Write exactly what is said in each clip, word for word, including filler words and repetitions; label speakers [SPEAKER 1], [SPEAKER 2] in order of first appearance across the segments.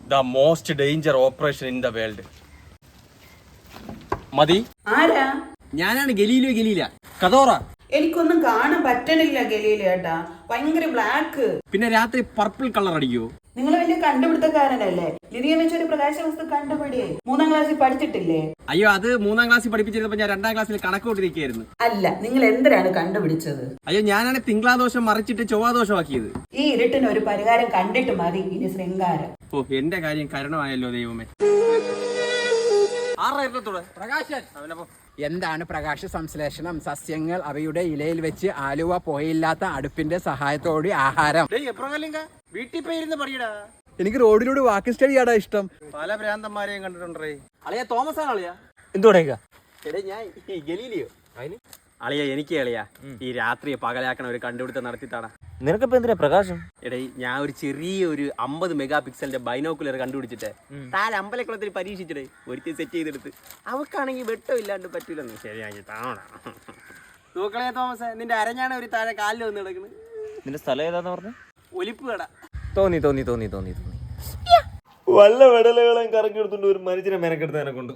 [SPEAKER 1] The most danger operation in the world. മതി.
[SPEAKER 2] ആരാ?
[SPEAKER 1] ഞാനാണ് ഗലീലിയോ ഗലീല. കഥോറ.
[SPEAKER 2] എനിക്കൊന്നും കാണാൻ പറ്റണില്ല ഗലീല ഏട്ടാ. ഭയങ്കര ബ്ലാക്ക്.
[SPEAKER 1] പിന്നെ രാത്രി പർപ്പിൾ കളർ അടിക്കോ?
[SPEAKER 2] നിങ്ങൾ വലിയ കണ്ടുപിടുത്തക്കാരനല്ലേ? ലിഥിയം വെച്ചൊരു പ്രകാശ വസ്തു കണ്ടുപിടിയേ. മൂന്നാം ക്ലാസ്സിൽ പഠിച്ചിട്ടില്ലേ?
[SPEAKER 1] അയ്യോ, അത് മൂന്നാം ക്ലാസ്സിൽ പഠിപ്പിച്ചിരുന്നപ്പോ ഞാൻ രണ്ടാം ക്ലാസ്സിൽ കണക്ക് കൂട്ടിരിക്കുകയായിരുന്നു.
[SPEAKER 2] അല്ല, നിങ്ങൾ എന്തിനാണ് കണ്ടുപിടിച്ചത്?
[SPEAKER 1] അയ്യോ, ഞാനാണ് തിങ്കളാദോഷം മറിച്ചിട്ട് ചൊവ്വാദോഷമാക്കിയത്.
[SPEAKER 2] ഈ ഇരുട്ടിന് ഒരു പരിഹാരം കണ്ടിട്ട് മതി ഇനി ശൃംഗാരം.
[SPEAKER 1] ഓ, എന്റെ കാര്യം കരുണമായല്ലോ ദൈവമേ. പ്രകാശൻ.
[SPEAKER 3] എന്താണ് പ്രകാശ സംശ്ലേഷണം? സസ്യങ്ങൾ അവയുടെ ഇലയിൽ വെച്ച് ആലുവ പോയില്ലാത്ത അടുപ്പിന്റെ സഹായത്തോടെ ആഹാരം.
[SPEAKER 1] വീട്ടിൽ പോയിരുന്ന് പറയടാ.
[SPEAKER 3] എനിക്ക് റോഡിലൂടെ വാക്കിംഗ് സ്റ്റഡി ആടാ ഇഷ്ടം.
[SPEAKER 1] പല ഭ്രാന്തന്മാരെയും കണ്ടിട്ടുണ്ടേ. അളിയ തോമസ് ആണ് അളിയ. എന്തുകൊണ്ടേക്കാ? എടേ ഞാൻ ഗലീലിയോ. അതിന് അളിയ എനിക്ക് അളിയ ഈ രാത്രിയെ പകലാക്കണ ഒരു കണ്ടുപിടുത്തം നടത്തിത്താടാ.
[SPEAKER 4] നിനക്കിപ്പോ എന്തിനാ പ്രകാശം?
[SPEAKER 1] എടേ ഞാൻ ഒരു ചെറിയ ഒരു അമ്പത് മെഗാ പിക്സലിന്റെ ബൈനോക്കുലർ കണ്ടുപിടിച്ചിട്ട് താൻ അമ്പലക്കുളത്തിൽ പരീക്ഷിച്ചിടേ ഒരുത്തി സെറ്റ് ചെയ്തെടുത്ത് അവക്കാണെങ്കിൽ വെട്ടം ഇല്ലാണ്ട് പറ്റൂലെന്ന് ശരിയാക്കി താണ തൂക്കളെ തോമസ്. നിന്റെ അരഞ്ഞാണ് ഒരു താഴെ കാലിൽ വന്ന് കിടക്കുന്നത്.
[SPEAKER 4] നിന്റെ സ്ഥലം ഏതാന്ന് പറഞ്ഞു?
[SPEAKER 1] ഒലിപ്പ് കട.
[SPEAKER 4] തോന്നി തോന്നി തോന്നി തോന്നി തോന്നി വല്ല വെടലുകളും കറക്കി എടുത്തോണ്ട് ഒരു മനുഷ്യനെ മെനക്കെടുത്തതിനെ കൊണ്ട്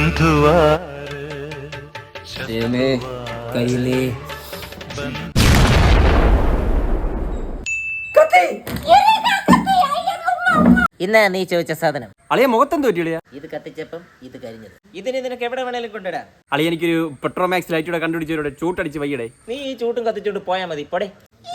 [SPEAKER 5] ഇന്നാ നീ ചോദിച്ച സാധനം.
[SPEAKER 1] അളിയ മുഖത്തെന്ത് പറ്റിയ?
[SPEAKER 5] ഇത് കത്തിച്ചപ്പം ഇത് കരിഞ്ഞത്. ഇതിന് നിനക്ക് എവിടെ വേണേലും കൊണ്ടിടാം.
[SPEAKER 1] അളിയ എനിക്കൊരു പെട്രോമാക്സ് ലൈറ്റൂടെ കണ്ടുപിടിച്ചവരോട് ചൂട്ടടിച്ച് വയ്യടേ.
[SPEAKER 5] നീ ഈ ചൂട്ടും കത്തിച്ചോണ്ട് പോയാ മതി. പോടെ.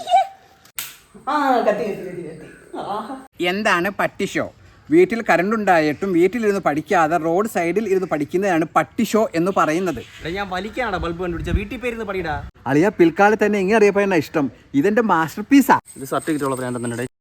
[SPEAKER 3] എന്താണ് പട്ടിഷോ? വീട്ടിൽ കറണ്ട് ഉണ്ടായിട്ടും വീട്ടിലിരുന്ന് പഠിക്കാതെ റോഡ് സൈഡിൽ ഇരുന്ന് പഠിക്കുന്നതാണ് പട്ടിഷോ എന്ന് പറയുന്നത്.
[SPEAKER 1] ഞാൻ വലിക്കാണോ ബൾബ് കണ്ടുപിടിച്ച? വീട്ടിൽ പേരുന്ന് പഠിടാ.
[SPEAKER 3] അളിയ പിൽക്കാലത്ത് തന്നെ എങ്ങനെ അറിയപ്പെടുന്ന ഇഷ്ടം. ഇതെന്റെ മാസ്റ്റർ പീസാ.
[SPEAKER 1] ഇത് സർട്ടിഫിക്കറ്റ് ഉള്ള പ്രാന്തം തന്നെ.